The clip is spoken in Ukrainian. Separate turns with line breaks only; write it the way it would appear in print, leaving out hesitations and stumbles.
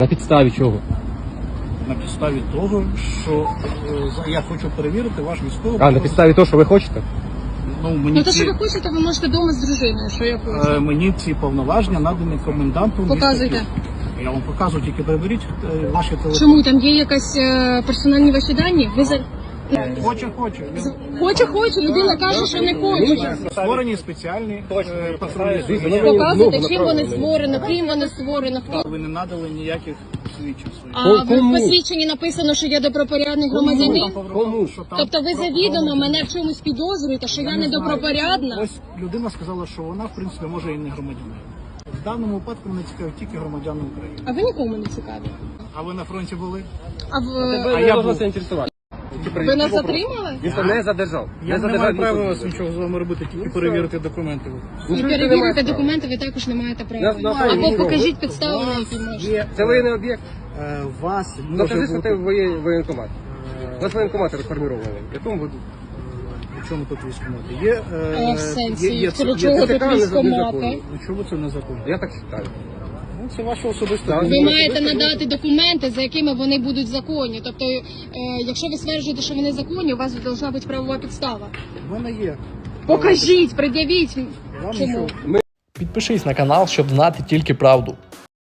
На підставі чого?
На підставі того, що я хочу перевірити ваш військовий.
А, на підставі того, що ви хочете?
Ну, то, що ви хочете, ви можете вдома з дружиною, що я хочу.
Мені ці повноваження надані комендантом.
Показуйте.
Я вам показую, тільки приберіть ваші телефони.
Чому? Там є якась персональні ваші дані? Ви за... Хочу. Людина каже, що не хоче.
Створені спеціальні патрульні.
Показуйте, чим вони створено, ким вони створено, хто.
Ви не надали ніяких свідчень своїх.
А в посвідченні написано, що я добропорядний громадянин?
Кому?
Тобто ви завідомо мене в чомусь підозрюєте, що я недобропорядна?
Ось людина сказала, що вона, в принципі, може і не громадянин. В даному випадку мене цікавить тільки громадяни України.
А ви нікому не цікаві?
А ви на фронті були?
А
Я должен це інтересувати.
ви нас затримали?
Він це не задержав.
Я не маю права нічого з вами робити, тільки перевірити документи.
І перевірити документи ви також не маєте права. Або покажіть підстави, на які можна.
Це воєнний об'єкт.
Вас
Докажи,
може
що
бути...
ти воєнкомат. У нас воєнкомати реформіровані. В якому году?
У чому тут військкомати? Є,
В сенсі,
є
для чого тут військкомати?
Чому це незаконно?
Я так вважаю.
Ну, це ваше особисте.
Ви маєте надати документи, за якими вони будуть законні. Тобто, якщо ви стверджуєте, що вони законні, у вас повинна бути правова підстава.
У мене є.
Покажіть, пред'явіть.
Вам
Чому?
нічого.
Підпишись на канал, щоб знати тільки правду.